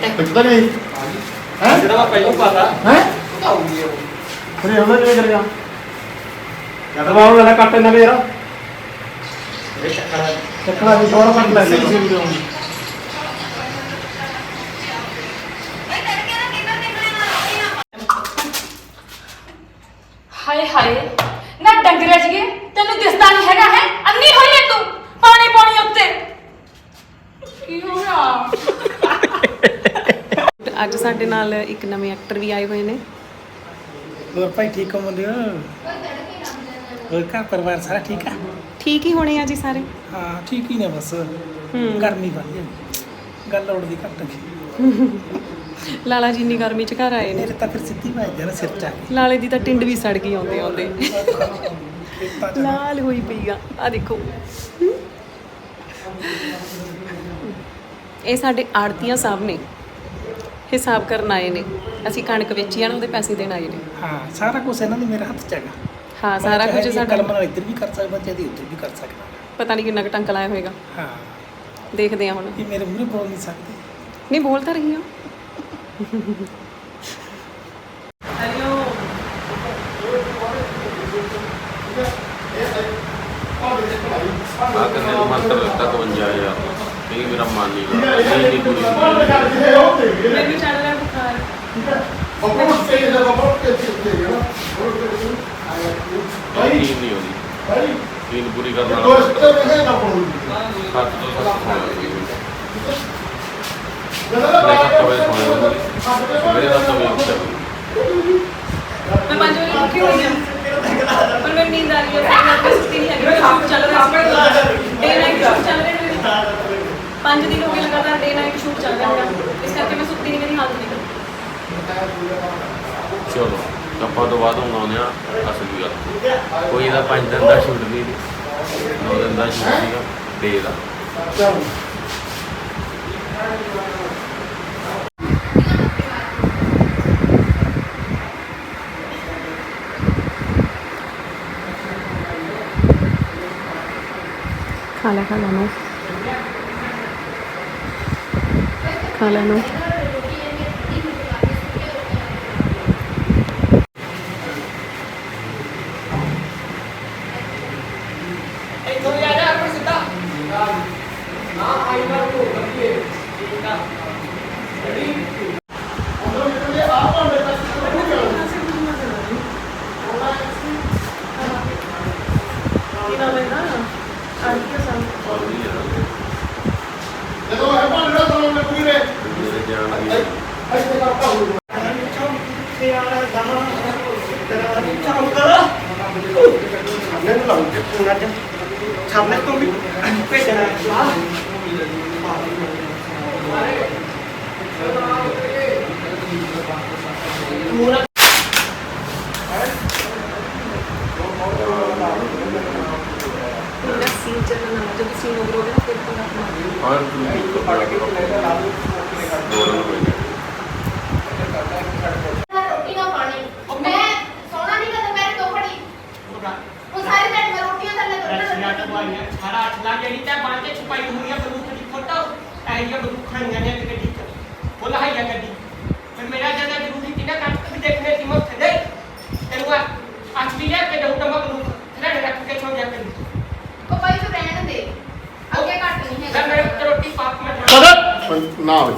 ਪਿੱਛੇ ਨਹੀਂ ਹੈ ਜਿਹੜਾ ਮੈਂ ਪਹਿਲਾਂ ਪਾਤਾ ਹੈ ਫਿਰ ਉਹਦਾ ਕਿਵੇਂ ਕਰੇਗਾ ਜਦ ਬਾਹਰ ਲੈਣਾ ਕੱਟ ਇਹਨਾਂ ਦੇ ਯਾਰ ਇਹ ਚੱਕੜਾ ਵੀ ਥੋੜਾ ਕੱਟ ਲੈ ਲਈ ਹਾਏ ਹਾਏ ਨਾ ਡੰਗਰੇ ਜਗੇ ਤੈਨੂੰ ਦਿਸਦਾ ਨਹੀਂ ਹੈਗਾ ਹੈ ਅੰਨੀ ਹੋਈ ਹੈ ਤੂੰ ਪਾਣੀ ਪਾਣੀ ਉੱਤੇ ਕੀ ਹੋਇਆ ਅੱਜ ਸਾਡੇ ਨਾਲ ਇੱਕ ਨਵੇਂ ਐਕਟਰ ਵੀ ਆਏ ਹੋਏ ਨੇ ਹੋਰ ਭਾਈ ਠੀਕ ਹੋ ਮੁੰਡੇ ਹੋਰ ਘਰ ਪਰਿਵਾਰ ਸਾਰਾ ਠੀਕ ਆ ਠੀਕ ਹੀ ਹੋਣੇ ਆ ਜੀ ਸਾਰੇ ਹਾਂ ਠੀਕ ਹੀ ਨੇ ਬਸ ਗਰਮੀ ਵਾਲੀ ਹੈ ਗੱਲ ਉੜਦੀ ਘੱਟ ਗਈ ਲਾਲਾ ਜੀ ਇੰਨੀ ਗਰਮੀ ਚ ਘਰ ਆਏ ਨੇ ਮੇਰੇ ਤਾਂ ਫਿਰ ਸਿੱਧੀ ਵੱਜ ਜਾਣਾ ਸਿਰ ਚ ਆ ਕੇ ਲਾਲੇ ਦੀ ਤਾਂ ਟਿੰਡ ਵੀ ਸੜ ਗਈ ਆਉਂਦੇ ਆਉਂਦੇ ਖੇਤਾਂ ਚ ਲਾਲ ਹੋਈ ਪਈ ਆ ਦੇਖੋ ਇਹ ਸਾਡੇ ਆੜਤੀਆਂ ਸਾਹਿਬ ਨੇ ਹਿਸਾਬ ਕਰਨ ਆਏ ਨੇ ਅਸੀਂ ਕਣਕ ਵੇਚੀ ਆਣ ਉਹਦੇ ਪੈਸੇ ਦੇਣ ਆਏ ਨੇ ਹਾਂ ਸਾਰਾ ਕੁਝ ਇਹਨਾਂ ਦੇ ਮੇਰੇ ਹੱਥ ਚ ਹੈਗਾ ਹਾਂ ਸਾਰਾ ਕੁਝ ਸਾਡਾ ਕਲਮ ਨਾਲ ਇੱਧਰ ਵੀ ਕਰ ਸਕਦਾ ਚਾਹੇ ਉੱਧਰ ਵੀ ਕਰ ਸਕਦਾ ਪਤਾ ਨਹੀਂ ਕਿੰਨਾ ਕੁ ਟੰਕ ਲਾਇਆ ਹੋਏਗਾ ਹਾਂ ਦੇਖਦੇ ਆ ਹੁਣ ਇਹ ਮੇਰੇ ਮੂਹਰੇ ਬੋਲ ਨਹੀਂ ਸਕਦੇ ਨਹੀਂ ਬੋਲ ਤਾਂ ਰਹੀ ਹਾਂ ਹੈਲੋ ਆ ਕਰਨੇ ਨੂੰ ਮੰਤਰ ਦਿੱਤਾ 55000 ਇਹ ਮੇਰਾ ਮਨ ਨਹੀਂ ਲੱਗਦਾ ਨਹੀਂ ਪੂਰੀ ਹੁੰਦੀ ਮੈਨੂੰ ਚੱਲ ਰਿਹਾ ਬੁਖਾਰ ਨੀਂਦ ਨਹੀਂ ਆਉਂਦੀ ਨੀਂਦ ਪੂਰੀ ਕਰਨ ਵਾਲਾ 7 ਤੋਂ 7 ਹੋਣਾ ਮੈਂ 7 ਵਜੇ ਸੌਣਾ ਮੇਰੇ 7 ਵਜੇ ਉੱਠਿਆ मैं 5 बजे उठी हुई हूँ पर मेरी नींद आ रही है मैं सुती नहीं है शूट चल रहा है डे नाइट शूट चल रहे हैं 5 दिन हो गए लगातार डे नाइट शूट चल रहा है इस करके मैं सुती नहीं मेरी हालत नहीं ਚਲੋ ਆਪਾਂ ਤੋਂ ਬਾਅਦ ਹੁਣ ਆਉਂਦੇ ਆ ਅਸਲੀ ਗੱਲ ਕੋਈ ਇਹਦਾ 5 ਦਿਨ ਦਾ ਸ਼ੂਟ ਨਹੀਂ 9 ਦਿਨ ਦਾ ਸ਼ੂਟ ਸੀਗਾ ਡੇ ਦਾ खा लो ਸਾਹਮਣੇ ਤੋਂ ਵੀ ਭੇਜਣਾ सीन चलना जब सीन ओवर हो गया फिर और रोटी ना पानी मैं सोना नहीं करता मेरे तो पड़ी वो सारी रात में रोटियां थल्ले तो सारा 8 लाख ਜਿਹੜੀ ਤਾਂ ਬਾਂਹ ਤੇ ਛੁਪਾਈ ਹੋਈ ਹੈ ਬਰੂਖ ਦੀ ਫੋਟੋ ਇਹ ਬਰੂਖਾਂ ਨੇ ਗੱਡੀ ਚ ਬੋਲਾ ਹੈ ਜਾਂ ਗੱਡੀ ਫਿਰ ਮੇਰਾ ਜਿਆਦਾ ਜ਼ਰੂਰੀ ਸੀ ਨਾ ਕੱਟ ਦੇਖਣੇ ਸੀ ਮੁੱਖ ਦੇ ਤੈਨੂੰ ਅੱਜ ਵੀ ਲੈ ਕੇ ਦਊਂ ਤਾਂ ਮੈਂ ਬਰੂਖ ਰੜ ਰੱਖ ਕੇ ਛੋੜ ਜਾ ਕਰੀ को भाई तो रहने दे आगे काट नहीं है ਮੈਂ ਮੇਰੇ ਰੋਟੀ ਪਾਪ ਮੈਂ ਨਾ ਹੋਵੇ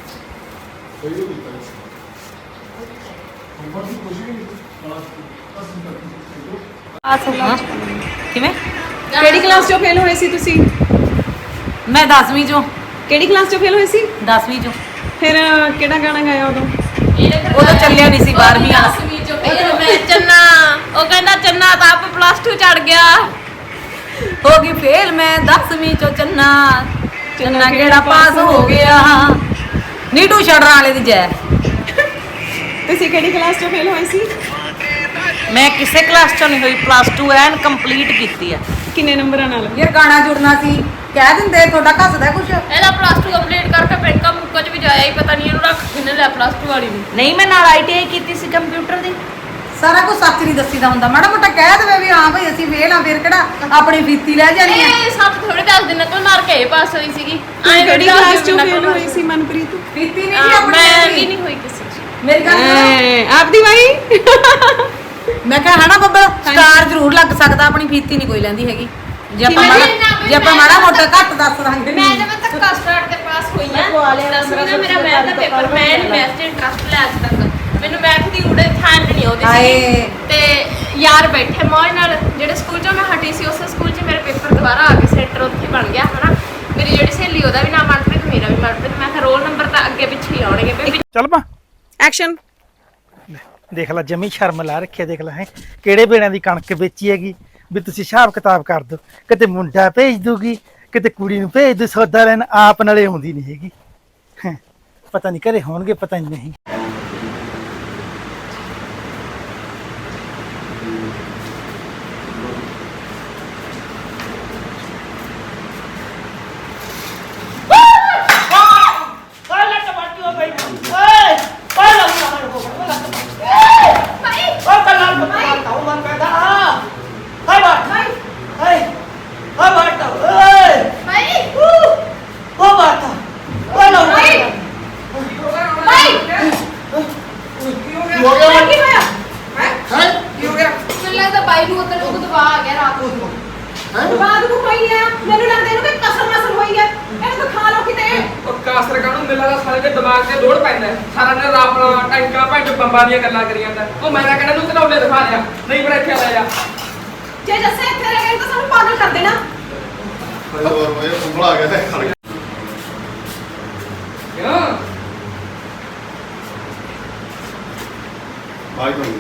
ਕਿਵੇਂ ਕਿਹੜੀ ਕਲਾਸ ਚੋਂ ਫੇਲ ਹੋਏ ਸੀ ਤੁਸੀਂ ਮੈਂ 10ਵੀਂ ਚੋਂ ਕਿਹੜੀ ਕਲਾਸ ਚੋਂ ਫੇਲ ਹੋਏ ਸੀ 10ਵੀਂ ਚੋਂ ਫਿਰ ਕਿਹੜਾ ਗਾਣਾ ਗਾਇਆ ਉਦੋਂ ਉਦੋਂ ਚੱਲਿਆ ਨਹੀਂ ਸੀ 12ਵੀਂ ਵਾਲਾ ਮੈਂ ਚੰਨਾ ਉਹ ਕਹਿੰਦਾ ਚੰਨਾ ਤਾਂ ਆਪ ਪਲੱਸ 2 ਚੜ ਗਿਆ ਹੋ ਗਈ ਫੇਲ ਮੈਂ 10ਵੀਂ ਚੋਂ ਚੰਨਾ ਚੰਨਾ ਕਿਹੜਾ ਪਾਸ ਹੋ ਗਿਆ ਨੀਟੂ ਛੜਰਾਂ ਵਾਲੇ ਦੀ ਜੈ ਤੁਸੀਂ ਕਿਹੜੀ ਕਲਾਸ ਚੋਂ ਫੇਲ ਹੋਏ ਸੀ ਮੈਂ ਕਿਸੇ ਕਲਾਸ ਚੋਂ ਨਹੀਂ ਹੋਈ ਪਲੱਸ 2 ਐਨ ਕੰਪਲੀਟ ਕੀਤੀ ਆ ਕਿੰਨੇ ਨੰਬਰਾਂ ਨਾਲ ਯਾਰ ਗਾਣਾ ਜੁੜਨਾ ਸੀ ਕਹਿ ਦਿੰਦੇ ਤੁਹਾਡਾ ਘੱਸਦਾ ਕੁਛ ਇਹਦਾ ਪਲੱਸ 2 ਕੰਪਲੀਟ ਕਰਕੇ ਬੈਂਕਾਂ ਮੁੱਕਾ ਚ ਵੀ ਜਾਇਆ ਹੀ ਪਤਾ ਨਹੀਂ ਇਹਨੂੰ ਰੱਖ ਕਿੰਨੇ ਲਿਆ ਪਲੱਸ 2 ਵਾਲੀ ਨੂੰ ਨਹੀਂ ਮੈਂ ਨਾਲ ITI ਕੀਤੀ ਸੀ ਕੰਪਿਊਟਰ ਦੀ ਸਾਰਾ ਕੁਝ ਸੱਚ ਨਹੀਂ ਦੱਸੀਦਾ ਹੁੰਦਾ, ਮਾੜਾ ਮੋਟਾ ਕਹਿ ਦੇਵੇ ਵੀ ਹਾਂ ਭਾਈ ਅਸੀਂ ਫੇਲ ਆ, ਫਿਰ ਕਿਹੜਾ ਆਪਣੀ ਫੀਤੀ ਲੈ ਜਾਣੀ ਆ। ਇਹ ਸੱਚ ਥੋੜੇ ਦੱਸ ਦਿਨਾਂ ਤੋਂ ਮਾਰ ਕੇ ਪਾਸ ਹੋਈ ਸੀਗੀ ਕਿਹੜੀ ਕਲਾਸ ਚੋਂ ਫੇਲ ਹੋਈ ਸੀ ਮਨਪ੍ਰੀਤ? ਫੀਤੀ ਨਹੀਂ ਸੀ ਆਪਣੀ, ਮੈਂ ਵੀ ਨਹੀਂ ਹੋਈ ਕਿਸੇ ਚ। ਮੇਰੀ ਗੱਲ ਸੁਣੋ, ਆਪਦੀ ਬਾਈ ਮੈਂ ਕਿਹਾ ਹਨਾ ਬੱਬਲ ਸਟਾਰ ਜ਼ਰੂਰ ਲੱਗ ਸਕਦਾ, ਆਪਣੀ ਫੀਤੀ ਨਹੀਂ ਕੋਈ ਲੈਂਦੀ ਹੈਗੀ। ਜੇ ਆਪਾਂ ਮਾੜਾ ਮੋਟਾ ਘੱਟ ਦੱਸ ਦਾਂਗੇ। ਮੈਂ ਜਦ ਤੱਕ ਸਟਾਰਟ ਤੇ ਪਾਸ ਹੋਈ ਆ 10ਵੀਂ ਦਾ ਮੇਰਾ ਮੈਥ ਦਾ ਪੇਪਰ, ਮੈਂ ਨਹੀਂ ਮੈਥ 'ਚ ਇੰਟਰਸਟ ਲਿਆ ਅੱਜ ਤੱਕ, ਮੈਨੂੰ ਮੈਥ ਦੀ ਉੜੇ ਥਾਂ ਨਹੀਂ ਆਉਂਦੀ ਸੀ। ਤੇ ਯਾਰ ਬੈਠੇ ਮੌਜ ਨਾਲ, ਜਿਹੜੇ ਸਕੂਲ 'ਚੋਂ ਮੈਂ ਹਟੀ ਸੀ ਉਸੇ ਸਕੂਲ 'ਚ ਮੇਰੇ ਪੇਪਰ ਦੁਬਾਰਾ ਆ ਗਏ, ਸੈਂਟਰ ਉੱਥੇ ਬਣ ਗਿਆ ਹਨਾ। ਮੇਰੀ ਜਿਹੜੀ ਸਹੇਲੀ ਉਹਦਾ ਵੀ ਨਾਮ ਮਨਪ੍ਰੀਤ, ਮੇਰਾ ਵੀ ਮਨਪ੍ਰੀਤ। ਮੈਂ ਕਿਹਾ ਰੋਲ ਨੰਬਰ ਤਾਂ ਅੱਗੇ ਪਿੱਛੇ ਹੀ ਆਉਣਗੇ। ਚੱਲ ਪਾ ਐਕਸ਼ਨ। ਦੇਖ ਲੈ ਜਮੀ ਸ਼ਰਮ ਲਾ ਰੱਖਿਆ, ਦੇਖ ਲੈ ਹੈ ਕਿਹੜੇ ਵੇੜਿਆਂ ਦੀ ਕਣਕ ਵੇਚੀ ਹੈਗੀ ਵੀ ਤੁਸੀਂ ਹਿਸਾਬ ਕਿਤਾਬ ਕਰ ਦੋ। ਕਿਤੇ ਮੁੰਡਾ ਭੇਜ ਦੂਗੀ, ਕਿਤੇ ਕੁੜੀ ਨੂੰ ਭੇਜ ਦੂ ਸੌਦਾ ਲੈਣ, ਆਪ ਨਾਲੇ ਆਉਂਦੀ ਨਹੀਂ ਹੈਗੀ। ਹੈਂ, ਪਤਾ ਨਹੀਂ ਘਰੇ ਹੋਣਗੇ, ਪਤਾ ਨਹੀਂ। ਮੈਨੂੰ ਲੱਗਦਾ ਬਾਈ ਨੂੰ ਉੱਧਰ ਉਹ ਦਬਾ ਆ ਗਿਆ ਰਾਤ ਨੂੰ। ਬਾਦ ਨੂੰ ਪਈ ਆ, ਮੈਨੂੰ ਲੱਗਦਾ ਇਹਨੂੰ ਕੋਈ ਕਸਰ ਮਸਰ ਹੋਈ ਆ, ਇਹਨੂੰ ਤਾਂ ਖਾ ਲਓ ਕਿਤੇ। ਉਹ ਕਾਸਰ ਕਾਹਨੂੰ ਮਿਲਦਾ ਸਾਰੇ ਦੇ ਦਿਮਾਗ ਤੇ ਲੋੜ ਪੈਂਦਾ ਹੈ। ਸਾਰਾ ਦਿਨ ਆਪਣਾ ਟੈਂਕਾਂ ਭੰਡ ਬੰਬਾਂ ਦੀਆਂ ਗੱਲਾਂ ਕਰੀ ਜਾਂਦਾ। ਉਹ ਮੈਂ ਤਾਂ ਕਹਿੰਦਾ ਨੂੰ ਘਨੌਲੇ ਦਿਖਾ ਲਿਆ, ਨਹੀਂ ਪਰ ਇੱਥੇ ਲੈ ਜਾ। ਜੇ ਜੱਸੇ ਇੱਥੇ ਰਹਿ ਗਏ ਤਾਂ ਸਾਨੂੰ ਪਾਗਲ ਕਰ ਦੇਣਾ। ਉਂਗਲ ਆ ਗਿਆ ਤੇ ਖੜ ਗਿਆ। ਕਿਉਂ ਬਾਈ ਤੋਂ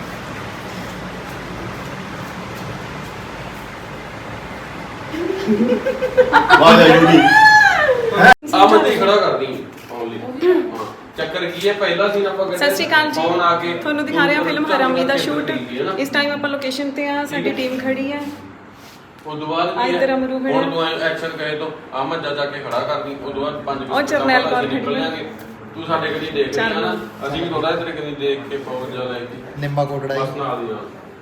ਵਾਹ ਜੀ ਆਮਦ ਹੀ ਖੜਾ ਕਰਦੀ ਓਨਲੀ। ਹਾਂ ਚੱਕਰ ਕੀ ਹੈ, ਪਹਿਲਾ ਸੀਨ ਆਪਾਂ ਸਤਿ ਸ਼੍ਰੀ ਅਕਾਲ ਜੀ, ਫੋਨ ਆ ਕੇ ਤੁਹਾਨੂੰ ਦਿਖਾ ਰਹੇ ਹਾਂ ਫਿਲਮ ਹਰਾਮੀ ਦਾ ਸ਼ੂਟ। ਹੈ ਨਾ। ਇਸ ਟਾਈਮ ਆਪਾਂ ਲੋਕੇਸ਼ਨ ਤੇ ਆ, ਸਾਡੀ ਟੀਮ ਖੜੀ ਹੈ। ਉਸ ਤੋਂ ਬਾਅਦ ਕੀ ਇੱਧਰ ਹੈ, ਅਮਰੂ ਖੜਾ। ਹੁਣ ਤੂੰ ਐਕਸ਼ਨ ਕਹੇ ਤੋਂ ਆਮਦ ਜਾ ਕੇ ਖੜਾ ਕਰਦੀ। ਉਸ ਤੋਂ ਬਾਅਦ 5 ਉਹ ਜਰਨੈਲ ਕੌਰ ਖੜੀ ਹੈ। ਤੂੰ ਸਾਡੇ ਕਦੀ ਦੇਖ ਲਈ ਨਾ, ਅਸੀਂ ਵੀ ਥੋੜਾ ਤੇਰੇ ਕਦੀ ਦੇਖ ਕੇ ਪਹੁੰਚ ਜਾ ਲੈ ਕੇ ਨਿੰਮਾ ਕੋਟੜਾ ਬਸ ਨਾਲ ਦੀ ਨਾਲ।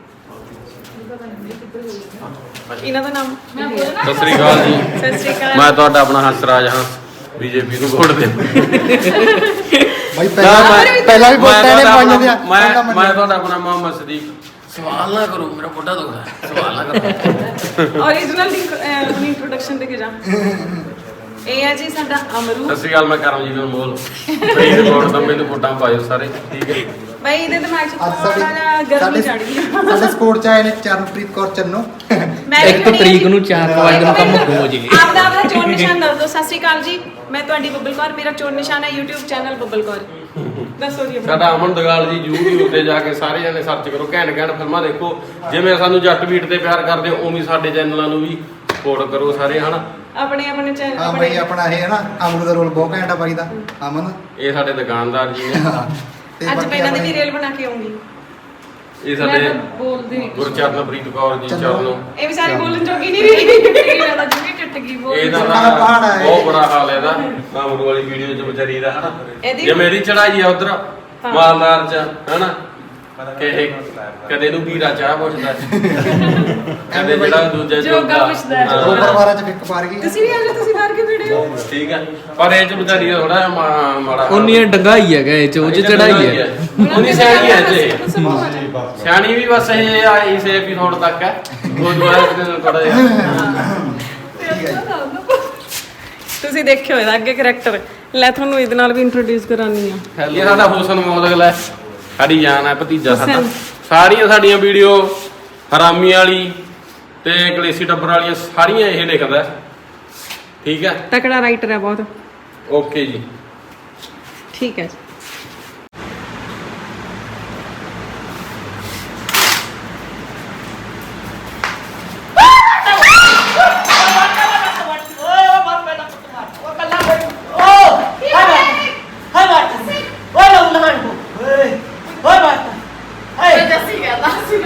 ਇਹਨਾਂ ਦਾ ਨਾਮ ਸਤਿ ਸ੍ਰੀ ਅਕਾਲ ਜੀ, ਸਤਿ ਸ਼੍ਰੀ ਅਕਾਲ। ਮੈਂ ਤੁਹਾਡਾ ਆਪਣਾ ਹੰਸਰਾਜ ਹਾਂ, ਬੀਜੇਪੀ ਨੂੰ ਵੋਟ ਦੇ। ਬਾਈ ਪਹਿਲਾਂ ਵੀ ਵੋਟਾਂ ਨੇ ਪਾਈਆਂ ਦੀਆਂ। ਮੈਂ ਤੁਹਾਡਾ ਆਪਣਾ ਮੁਹੰਮਦ ਸਦੀਕ। ਸਵਾਲ ਨਾ ਕਰੋ, ਮੇਰਾ ਮੋਢਾ ਦੁਖਦਾ ਹੈ, ਸਵਾਲ ਨਾ ਕਰੋ। ਓਰੀਜਨਲ ਦੀ ਆਪਣੀ ਇੰਟਰੋਡਕਸ਼ਨ ਦੇ ਕੇ ਜਾ। ਇਹ ਹੈ ਜੀ ਸਾਡਾ ਅਮਰੂ। ਸਤਿ ਸ੍ਰੀ ਅਕਾਲ, ਮੈਂ ਕਰਮਜੀਤ ਅਨਮੋਲ। ਪ੍ਰੀਤ ਵੋਟ ਤਾਂ ਮੈਨੂੰ ਵੋਟਾਂ ਪਾਇਓ ਸਾਰੇ, ਠੀਕ ਹੈ। ਬਾਈ ਇਹਦੇ ਦਿਮਾਗ 'ਚ ਅੱਜ ਥੋੜਾ ਜਿਹਾ ਗਰਮੀ ਚੜ ਗਈ। ਸਾਡੇ ਸਪੋਰਟ ਚ ਆਏ ਨੇ ਚਰਨਪ੍ਰੀਤ ਕੌਰ ਚੰਨੋ। ਮੈਂ ਵੀ 1 ਤਰੀਕ ਨੂੰ 4 ਵਜੇ ਨੂੰ ਕੰਮ ਹੋ ਜੇ। ਆਪਦਾ ਚੋਣ ਨਿਸ਼ਾਨ ਦੱਸ ਦਿਓ। ਸਤਿ ਸ਼੍ਰੀ ਅਕਾਲ ਜੀ, ਮੈਂ ਤੁਹਾਡੀ ਬੱਬਲ ਕੌਰ, ਮੇਰਾ ਚੋਣ ਨਿਸ਼ਾਨ ਹੈ YouTube ਚੈਨਲ ਬੱਬਲ ਕੌਰ। ਦੱਸੋ ਜੀ ਆਪਣਾ। ਸਾਡਾ ਅਮਨ ਦਗਾਲ ਜੀ YouTube ਤੇ ਜਾ ਕੇ ਸਾਰੇ ਜਣੇ ਸਰਚ ਕਰੋ, ਘੈਂਟ ਘੈਂਟ ਫਿਲਮਾਂ ਦੇਖੋ। ਜਿਵੇਂ ਸਾਨੂੰ ਜੱਟ ਬੀਟ ਤੇ ਪਿਆਰ ਕਰਦੇ ਹੋ, ਉਵੇਂ ਸਾਡੇ ਚੈਨਲਾਂ ਨੂੰ ਵੀ ਸਪੋਰਟ ਕਰੋ ਸਾਰੇ, ਹਨਾ। ਆਪਣੇ ਆਪਣੇ ਚੈਨਲ ਹਾਂ ਬਾਈ ਆਪਣਾ ਇਹ ਹੈ ਨਾ ਅਮਰੂ ਦਾ ਰੋਲ ਬਹੁਤ ਘੈਂਟ ਆ ਬਾਈ ਦਾ, ਅਮਨ। ਇਹ ਸਾਡੇ ਦੁਕਾਨਦਾਰ ਜੀ ਨੇ। ਤੇ ਅੱਜ ਬਾਕੀ ਮੈਂ ਇਹਨਾਂ ਦੀ ਆਪਣੇ- ਵੀ ਰੇਲ ਬਣਾ ਕੇ ਆਉਂਗੀ। ਇਹ ਸਾਡੇ ਮੈਂ ਤਾਂ ਬੋਲਦੀ ਨਹੀਂ ਕੁਛ। ਗੁਰਚਰਨਪ੍ਰੀਤ ਕੌਰ ਜੀ ਚਰਨੋ। ਇਹ ਵਿਚਾਰੀ ਬੋਲਣ ਜੋਗੀ ਨਹੀਂ ਰਹੀ। ਮੇਰਾ ਤਾਂ ਜੁਗੀ ਟੁੱਟ ਗਈ ਬੋਲ। ਇਹਦਾ ਸਾਡਾ ਪਹਾੜ ਹੈ। ਬਹੁਤ ਬੁਰਾ ਹਾਲ ਹੈ ਇਹਦਾ, ਅਮਰੂ ਵਾਲੀ ਵੀਡੀਓ ਚ ਵਿਚਾਰੀ ਦਾ, ਹਨਾ। ਇਹਦੀ- ਜੇ ਮੇਰੀ ਚੜਾਈ ਆ ਉਧਰ ਮਾਲਦਾਰ ਚ, ਹਨਾ, ਕਿ ਇਹ ਕਦੇ ਨੂੰ ਵੀਰਾ ਚਾਹ ਪੁੱਛਦਾ, ਕਦੇ ਜਿਹੜਾ ਦੂਜਾ ਜੋਗਾ ਪੁੱਛਦਾ। ਦੋ ਪਰਿਵਾਰਾਂ ਚ ਫਿੱਕ ਪਾਰ ਗਈ। ਤੁਸੀਂ ਵੀ ਆ ਜਾਓ, ਤੁਸੀਂ ਬਾਹਰ ਕੇ ਵੀਡੀਓ। ਠੀਕ ਹੈ, ਪਰ ਇਹ ਚ ਵਿਚਾਰੀ ਦਾ ਥੋੜਾ ਮਾੜਾ ਉਨੀ ਡੰਗਾਈ ਹੈਗਾ ਇਹ ਚ, ਉਹ ਚ ਚੜਾਈ ਹੈ। ਉਨੀ ਸਿਆਣੀ ਹੈ ਜੀ, ਸਿਆਣੀ ਵੀ ਬਸ ਇਹ ਆਈ ਸੇ ਐਪੀਸੋਡ ਤੱਕ ਹੈ। ਉਹ ਦੁਆਰਾ ਥੋੜਾ ਜਿਹਾ ਤੁਸੀਂ ਦੇਖਿਓ ਇਹਦਾ ਅੱਗੇ ਕਰੈਕਟਰ। ਲੈ ਤੁਹਾਨੂੰ ਇਹਦੇ ਨਾਲ ਵੀ ਇੰਟਰੋਡਿਊਸ ਕਰਾਨੀ ਆ। ਇਹ ਸਾਡਾ ਹੁਸਨ ਮੌਦਗਲ ਹੈ, ਸਾਡੀ ਜਾਨ ਹੈ, ਭਤੀਜਾ ਸਾਡਾ। ਹੁਸਨ। ਸਾਰੀਆਂ ਸਾਡੀਆਂ ਵੀਡੀਓ ਹਰਾਮੀ ਵਾਲੀ ਤੇ ਕਲੇਸੀ ਟੱਬਰ ਵਾਲੀਆਂ ਸਾਰੀਆਂ ਇਹ ਲਿਖਦਾ, ਠੀਕ ਹੈ। ਤਕੜਾ ਰਾਈਟਰ ਹੈ ਬਹੁਤ। ਓਕੇ ਜੀ, ਠੀਕ ਹੈ ਜੀ। ਜੱਸੀ ਕਹਿੰਦਾ ਸੀ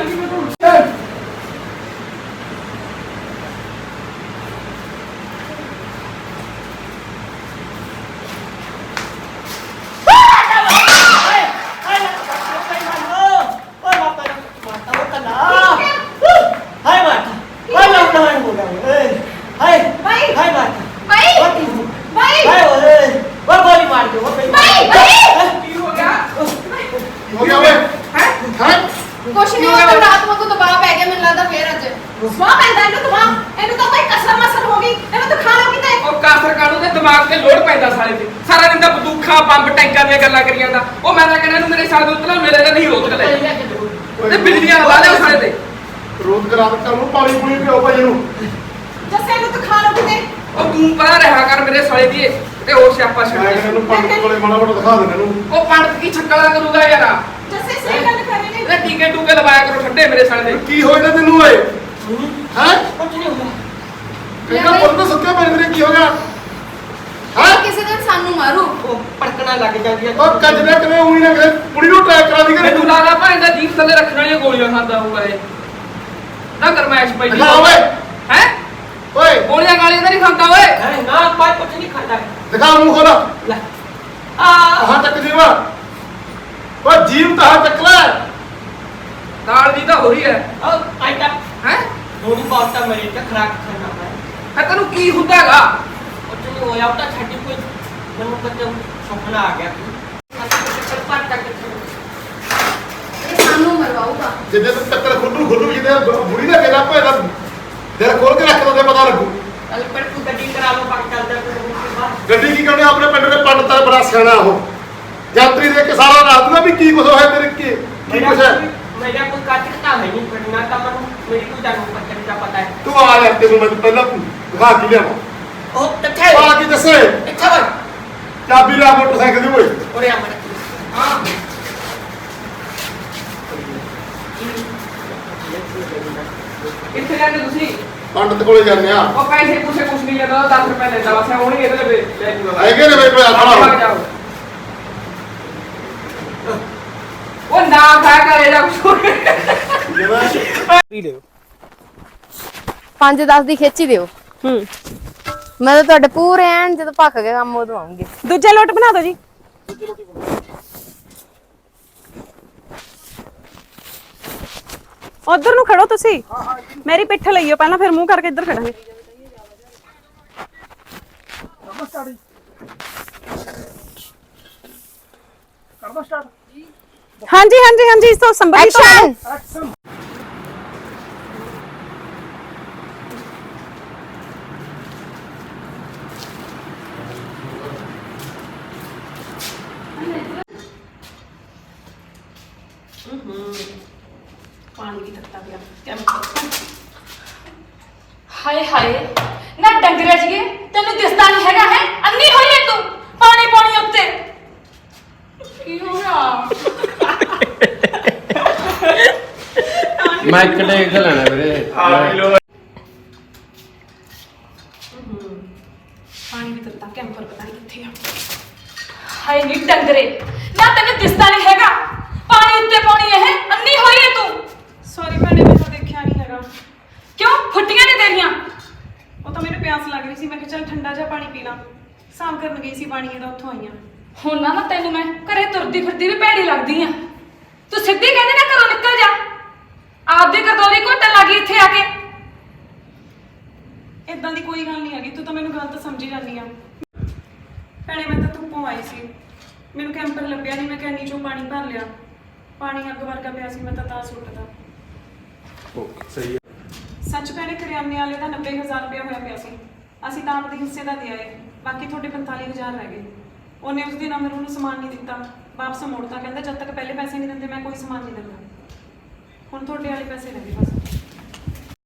ਦਿਮਾਗ ਤੇ ਲੋੜ ਪੈਂਦਾ ਸਾਲੇ ਤੇ ਸਾਰਾ ਦਿਨ ਤਾਂ ਬੰਦੂਕਾਂ ਬੰਬ ਟੈਂਕਾਂ ਦੀਆਂ ਗੱਲਾਂ ਕਰੀ ਜਾਂਦਾ ਉਹ ਮੈਂ ਤਾਂ ਕਹਿੰਦਾ ਇਹਨੂੰ ਮੇਰੇ ਸਾਲੇ ਤੋਂ ਉਤਲਾ ਮੇਰੇ ਦਾ ਨਹੀਂ ਰੋਕ ਲੈ ਤੇ ਬਿਜਲੀਆਂ ਲਾ ਲਿਆ ਸਾਲੇ ਤੇ ਰੋਜ਼ ਕਰਾ ਕਰ ਨੂੰ ਪਾਣੀ ਪੂਣੀ ਪਿਓ ਭਾਈ ਨੂੰ ਜੱਸੇ ਨੂੰ ਤਾਂ ਖਾ ਲੋ ਕਿਤੇ ਉਹ ਤੂੰ ਪਰਾਂ ਰਿਹਾ ਕਰ ਮੇਰੇ ਸਾਲੇ ਦੀ ਤੇ ਉਹ ਸਿਆਪਾ ਛੱਡ ਮੈਂ ਕਹਿੰਦਾ ਇਹਨੂੰ ਪੰਡਤ ਕੋਲੇ ਮਾੜਾ ਮੋਟਾ ਦਿਖਾ ਦੇਣਾ ਇਹਨੂੰ ਉਹ ਪੰਡਤ ਕੀ ਛੱਕਲਾ ਕਰੂਗਾ ਯਾਰ ਜੱਸੇ ਸਹੀ ਗੱਲ ਕਰ ਰਹੇ ਨੇ ਇਹ ਟੀਕੇ ਟੂਕੇ ਲਵਾਇਆ ਕਰੋ ਠੰਡੇ ਮੇਰੇ ਸਾਲੇ ਦੇ ਕੀ ਹੋਇਆ ਤੈਨੂੰ ਓਏ ਹੈ ਕੁਝ ਨਹੀਂ ਹੁੰਦਾ ਕਿਹੜਾ ਪੁੱਤ ਸੁੱਕੇ ਪਏ ਤੇਰੇ ਕੀ ਹੋ ਗਿਆ ਹੈ ਕਿਸੇ ਦਿਨ ਸਾਨੂੰ ਮਾਰੂ ਉਹ ਪੜਕਣਾ ਲੱਗ ਜਾਂਦੀ ਹੈ ਉਹ ਕੱਜਦਾ ਕਿਵੇਂ ਉਹੀ ਨਾ ਕਰੇ ਕੁੜੀ ਨੂੰ ਟਰੈਕ ਕਰਾ ਦੀ ਕਰੇ ਮੈਨੂੰ ਲੱਗਦਾ ਭਾਵੇਂ ਦਾ ਜੀਭ ਥੱਲੇ ਰੱਖਣ ਵਾਲੀਆਂ ਗੋਲੀਆਂ ਖਾਂਦਾ ਹੋਊਗਾ ਇਹ ਨਾ ਗਰਮੈਸ਼ ਪਈ ਦਿਖਾ ਓਏ ਹੈ ਓਏ ਗੋਲੀਆਂ ਗਾਲੀਆਂ ਤਾਂ ਨਹੀਂ ਖਾਂਦਾ ਓਏ ਹੈ ਨਾ ਕੋਈ ਕੁਝ ਨਹੀਂ ਖਾਂਦਾ ਦਿਖਾ ਮੂੰਹ ਖੋਲਾ ਲੈ ਆਹ ਚੱਕ ਜੀਵਾ ਓ ਜੀਵ ਤਾਂ ਚੱਕ ਲੈ ਦਾਲ ਦੀ ਤਾਂ ਹੋ ਰਹੀ ਹੈ ਉਹ ਆਇਤਾ ਹੈ ਥੋੜੀ ਬਹੁਤ ਤਾਂ ਮੇਰੇ ਤੇ ਖਰਾਕ ਖਾਣਾ ਹੈ ਤੈਨੂੰ ਕੀ ਹੁੰਦਾ ਹੈਗਾ ਕੁਝ ਨਹੀਂ ਹੋਇਆ ਉਹ ਤਾਂ ਛੱਡੀ ਕੋਈ ਮੈਨੂੰ ਕਦੇ ਸੁਪਨਾ ਆ ਗਿਆ ਇਹ ਸਾਨੂੰ ਮਰਵਾਊਗਾ ਜਿੱਦੇ ਤੂੰ ਟੱਕਰ ਖੁੱਲੂ ਜਿੱਦੇ ਬੁੜੀ ਦਾ ਗੇੜਾ ਭੇਦਾ ਦਿਲ ਖੋਲ ਕੇ ਰੱਖ ਦੋ ਪਤਾ ਲੱਗੂ ਕੱਲ ਪਰ ਤੂੰ ਗੱਡੀ ਕਰਾ ਲਓ ਪੱਕ ਚੱਲਦਾ ਕੋਈ ਗੱਡੀ ਕੀ ਕਰਨੇ ਆਪਣੇ ਪਿੰਡ ਦੇ ਪੰਡਤ ਦਾ ਬੜਾ ਸਿਆਣਾ ਉਹ ਯਾਤਰੀ ਦੇ ਕੇ ਸਾਰਾ ਰਾਤ ਦਾ ਵੀ ਕੀ ਕੁਝ ਹੋਇਆ ਤੇਰੇ ਕੀ ਕੁਝ ਹੈ ਮੇਰਾ ਕੋਈ ਕਾਟਕਤਾ ਹੈ ਨਹੀਂ ਪੜਨਾ ਤਾਂ ਮੈਨੂੰ ਮੇਰੀ ਕੋਈ ਜਾਣੂ ਪੱਤਰ ਦਾ ਪਤਾ ਹੈ ਤੂੰ ਆ ਲੈ ਤੈਨੂੰ ਮੈਂ ਪਹਿਲਾਂ ਦਿਖਾ ਕੇ ਲਿਆਵਾਂ ਉਹ ਕਿੱਥੇ ਆ ਕੀ ਦੱਸੇ ਇੱਥੇ ਵਾ ਚਾਬੀ ਲੈ ਮੋਟਰਸਾਈਕਲ ਦੀ ਓਏ ਉਰੇ ਆ ਮਰ ਹਾਂ ਕਿੱਥੇ ਜਾਂਦੇ ਤੁਸੀਂ ਪੰਡਤ ਕੋਲੇ ਜਾਂਦੇ ਆ ਉਹ ਪੈਸੇ ਪੂਸੇ ਕੁਛ ਨਹੀਂ ਲੈਂਦਾ 10 ਰੁਪਏ ਲੈਂਦਾ ਬਸ ਹੁਣੇ ਇਹਦੇ ਲਈ ਲੈ ਜੂਗਾ ਹੈਗੇ ਨੇ ਬਈ ਖੜਾ ਹੋ ਉਹ ਨਾ ਖਾ ਕਰੇ ਜਾ ਕੁਛ ਪੀ ਲਿਓ 5-10 ਦੀ ਖੇਚੀ ਦਿਓ ਮੈਂ ਤਾਂ ਤੁਹਾਡੇ ਪੂਰੇ ਐਨ ਜਦੋਂ ਭੱਖ ਕੇ ਕੰਮ ਉਦੋਂ ਆਉਂਗੀ ਦੂਜਾ ਲੋਟ ਬਣਾ ਦਿਓ ਜੀ ਉਧਰ ਨੂੰ ਖੜੋ ਤੁਸੀਂ ਮੇਰੀ ਪਿੱਠ ਲਈਓ ਪਹਿਲਾਂ ਫਿਰ ਮੂੰਹ ਕਰਕੇ ਇੱਧਰ ਖੜਾਂਗੇ ਹਾਂਜੀ ਹਾਂਜੀ ਹਾਂਜੀ ਇਸ ਤੋਂ ਸੰਭਾਲੀ ਤੋਂ ਐਕਸ਼ਨ ਪਾਣੀ ਵੀ ਤੱਤਾ ਪਿਆ ਹਾਏ ਹਾਏ ਨਾ ਡੰਗਰੇ ਜਗੇ ਤੈਨੂੰ ਦਿਸਦਾ ਨਹੀਂ ਹੈਗਾ ਹੈ ਅੰਨੀ ਹੋਈ ਹੈ ਤੂੰ ਪਾਣੀ ਪਾਣੀ ਉੱਤੇ ਕੀ ਹੋਇਆ ਮੈਂ ਇੱਕ ਟੇਕ ਲੈਣਾ ਵੀਰੇ ਪਾਣੀ ਵੀ ਤੱਤਾ ਕੈਂਪਰ ਪਤਾ ਨਹੀਂ ਕਿੱਥੇ ਆ ਹਾਏ ਨੀ ਡੰਗਰੇ ਨਾ ਤੈਨੂੰ ਦਿਸਦਾ ਨਹੀਂ ਹੈਗਾ ਪਾਣੀ ਉੱਤੇ ਪਾਣੀ ਇਹ ਅੰਨੀ ਹੋਈ ਹੈ ਤੂੰ ਸੌਰੀ ਭੈਣੇ ਮੈਂ ਤਾਂ ਦੇਖਿਆ ਨਹੀਂ ਹੈਗਾ ਕਿਉਂ ਫੁੱਟੀਆਂ ਨੇ ਤੇਰੀਆਂ ਉਹ ਤਾਂ ਮੈਨੂੰ ਪਿਆਸ ਲੱਗ ਰਹੀ ਸੀ ਮੈਂ ਕਿਹਾ ਚੱਲ ਠੰਡਾ ਜਿਹਾ ਪਾਣੀ ਪੀ ਲਾਂ ਸਾਫ਼ ਕਰਨ ਗਈ ਸੀ ਪਾਣੀ ਇਹਦਾ ਉੱਥੋਂ ਆਈਆਂ ਹੁਣ ਨਾ ਤੈਨੂੰ ਮੈਂ ਘਰੇ ਤੁਰਦੀ ਫਿਰਦੀ ਵੀ ਭੈੜੀ ਲੱਗਦੀ ਆ ਤੂੰ ਸਿੱਧੀ ਕਹਿੰਦੇ ਨਾ ਘਰੋਂ ਨਿਕਲ ਜਾ ਆਪਦੀ ਕਰਦੋਰੀ ਘੁੱਟਣ ਲੱਗੀ ਇੱਥੇ ਆ ਕੇ ਇਦਾਂ ਦੀ ਕੋਈ ਗੱਲ ਨਹੀਂ ਹੈਗੀ ਤੂੰ ਤਾਂ ਮੈਨੂੰ ਗਲਤ ਸਮਝੀ ਜਾਂਦੀ ਆ ਭੈਣੇ ਮੈਂ ਤਾਂ ਧੁੱਪੋਂ ਆਈ ਸੀ ਮੈਨੂੰ ਕੈਂਪਰ ਲੱਭਿਆ ਨਹੀਂ ਮੈਂ ਕੈਨੀ ਚੋਂ ਪਾਣੀ ਭਰ ਲਿਆ ਪਾਣੀ ਅੱਗ ਵਰਗਾ ਪਿਆ ਸੀ ਮੈਂ ਤਾਂ ਸੁੱਟਦਾ ਸਹੀ ਸੱਚ ਭੈਣੇ ਕਰਿਆਨੇ ਵਾਲੇ ਦਾ 90000 ਰੁਪਇਆ ਹੋਇਆ ਪਿਆ ਸੀ ਅਸੀਂ ਤਾਂ ਆਪਦੇ ਹਿੱਸੇ ਦਾ ਦੇ ਆਏ ਬਾਕੀ ਤੁਹਾਡੇ 45000 ਰਹਿ ਗਏ ਉਹਨੇ ਉਸ ਦਿਨ ਅਮਰ ਨੂੰ ਸਮਾਨ ਨਹੀਂ ਦਿੱਤਾ ਵਾਪਸ ਮੋੜਤਾ ਕਹਿੰਦਾ ਜਦ ਤੱਕ ਪਹਿਲੇ ਪੈਸੇ ਨਹੀਂ ਦਿੰਦੇ ਮੈਂ ਕੋਈ ਸਮਾਨ ਨਹੀਂ ਦਿੰਦਾ ਹੁਣ ਤੁਹਾਡੇ ਵਾਲੇ ਪੈਸੇ ਰਹਿ ਗਏ ਬਸ